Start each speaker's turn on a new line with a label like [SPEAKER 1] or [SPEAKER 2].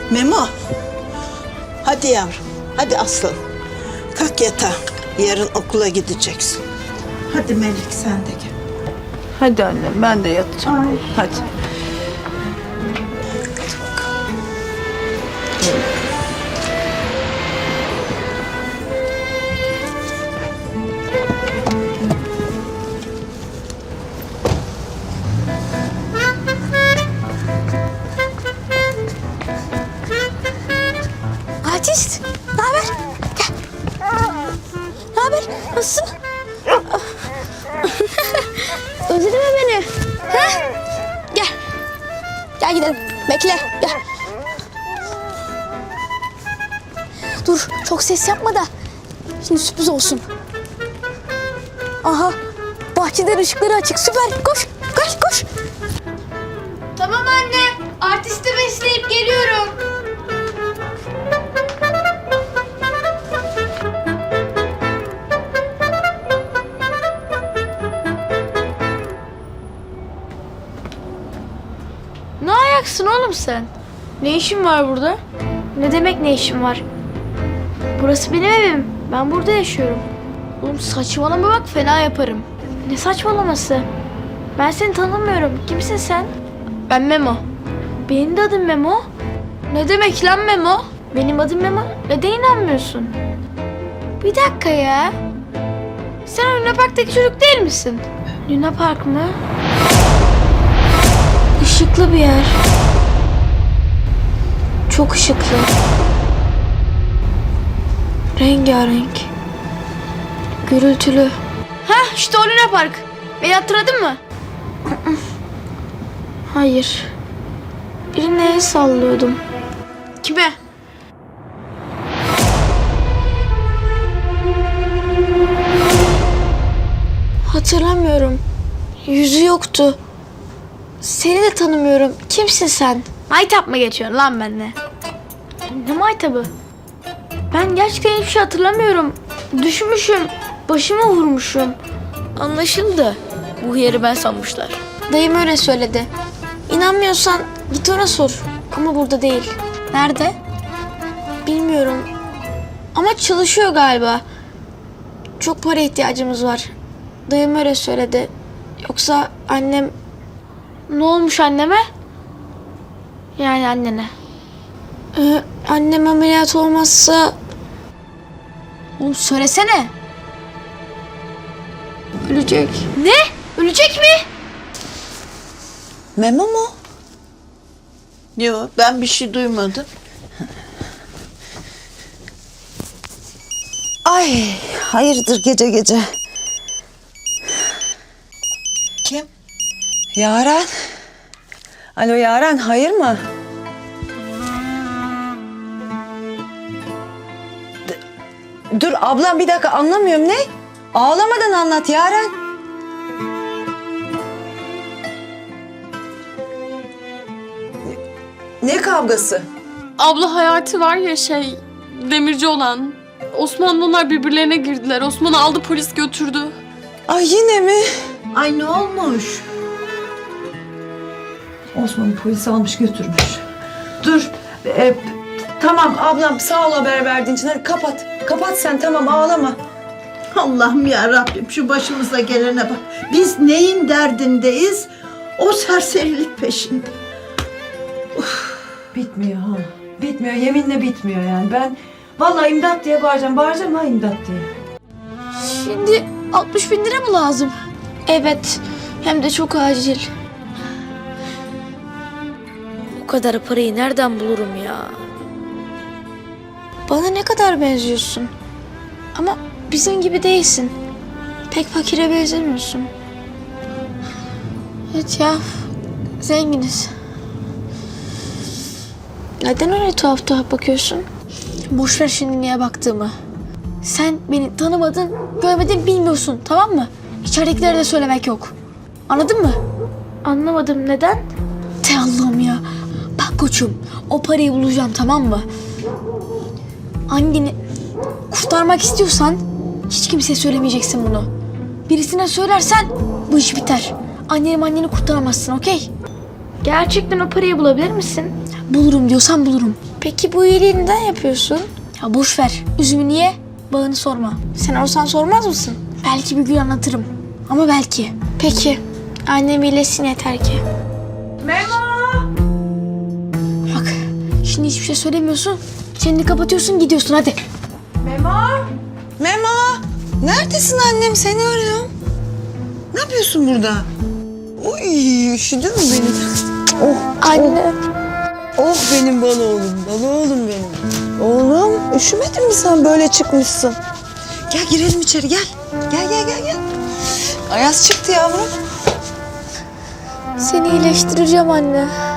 [SPEAKER 1] Memo. Hadi yavrum. Hadi aslanım. Kalk yatağa. Yarın okula gideceksin. Hadi Melek sen de gel.
[SPEAKER 2] Hadi annem ben de yatacağım. Hadi.
[SPEAKER 3] Artist, ne haber? Gel. Ne haber? Nasılsın? Özledin mi beni? Ha? Gel. Gel gidelim. Bekle. Gel. Dur, çok ses yapma da. Şimdi sürpriz olsun. Aha, bahçeden ışıkları açık. Süper. Koş, koş, koş.
[SPEAKER 4] Tamam anne. Artisti besleyip geliyorum. Ne ayaksın oğlum sen? Ne işin var burada? Ne demek ne işin var? Burası benim evim. Ben burada yaşıyorum. Oğlum saçmalama bak fena yaparım. Ne saçmalaması? Ben seni tanımıyorum. Kimsin sen? Ben Memo. Benim de adım Memo. Ne demek lan Memo? Benim adım Memo. Neden inanmıyorsun? Bir dakika ya. Sen o Luna Park'taki çocuk değil misin? Luna Park mı? Işıklı bir yer. Çok ışıklı. Rengarenk. Gürültülü. Heh işte o Luna Park. Beni hatırladın mı? Hayır. Birine el sallıyordum. Kime? Hatırlamıyorum. Yüzü yoktu. Seni de tanımıyorum. Kimsin sen? Maytap mı geçiyorsun lan benimle? Ne maytabı? Ben gerçekten hiçbir şey hatırlamıyorum. Düşmüşüm. Başıma vurmuşum. Anlaşıldı. Bu yeri ben sanmışlar. Dayım öyle söyledi. İnanmıyorsan git ona sor. Ama burada değil. Nerede? Bilmiyorum. Ama çalışıyor galiba. Çok para ihtiyacımız var. Dayım öyle söyledi. Yoksa annem... Ne olmuş anneme? Yani annene. Annem ameliyat olmazsa... Oğlum söylesene. Ölecek. Ne? Ölecek mi?
[SPEAKER 1] Memo mu? Yok ben bir şey duymadım.
[SPEAKER 5] Ay hayırdır gece gece?
[SPEAKER 1] Kim?
[SPEAKER 5] Yaren. Alo Yaren, hayır mı? Dur ablam bir dakika, anlamıyorum ne? Ağlamadan anlat Yaren. Ne kavgası?
[SPEAKER 6] Abla Hayati var ya demirci olan. Osman'la onlar birbirlerine girdiler. Osman'ı aldı polis götürdü.
[SPEAKER 5] Ay yine mi?
[SPEAKER 1] Ay ne olmuş?
[SPEAKER 5] Osman'ı polis almış götürmüş. Dur. Tamam ablam, sağ ol haber verdiğin için. Hadi kapat. Kapat sen, tamam, ağlama.
[SPEAKER 1] Allah'ım ya Rabbim şu başımıza gelene bak. Biz neyin derdindeyiz? O serserilik peşinde.
[SPEAKER 5] Bitmiyor ha. Bitmiyor, yeminle bitmiyor yani. Ben vallahi imdat diye bağıracağım. Bağıracağım ha, imdat diye.
[SPEAKER 4] Şimdi 60 bin lira mı lazım? Evet. Hem de çok acil. O kadar parayı nereden bulurum ya? Bana ne kadar benziyorsun. Ama bizim gibi değilsin. Pek fakire benzemiyorsun. Evet ya. Zenginiz. Neden öyle tuhaf tuhaf bakıyorsun? Boş ver şimdi niye baktığımı. Sen beni tanımadın, görmedin, bilmiyorsun, tamam mı? İçeridekilere de söylemek yok. Anladın mı? Anlamadım. Neden? Te Allah'ım ya. Bak koçum, o parayı bulacağım, tamam mı? Anneni kurtarmak istiyorsan hiç kimseye söylemeyeceksin bunu. Birisine söylersen bu iş biter. Anneni kurtaramazsın, okey? Gerçekten o parayı bulabilir misin?
[SPEAKER 3] Bulurum diyorsan bulurum. Peki bu iyiliği neden yapıyorsun? Ya boş ver. Üzümünü ye, bağını sorma. Sen olsan sormaz mısın? Belki bir gün anlatırım. Ama belki. Peki. Annem iyileşsin yeter ki. Memo! Bak, şimdi hiçbir şey söylemiyorsun. Çeneni kapatıyorsun, gidiyorsun hadi.
[SPEAKER 5] Memo! Neredesin annem? Seni arıyorum. Ne yapıyorsun burada? Oy, üşüdün mü benim?
[SPEAKER 3] Anne.
[SPEAKER 5] Oh benim bana oğlum, bana oğlum benim. Oğlum, üşümedin mi sen böyle çıkmışsın? Gel girelim içeri, gel. Gel. Ayaz çıktı yavrum.
[SPEAKER 3] Seni iyileştireceğim anne.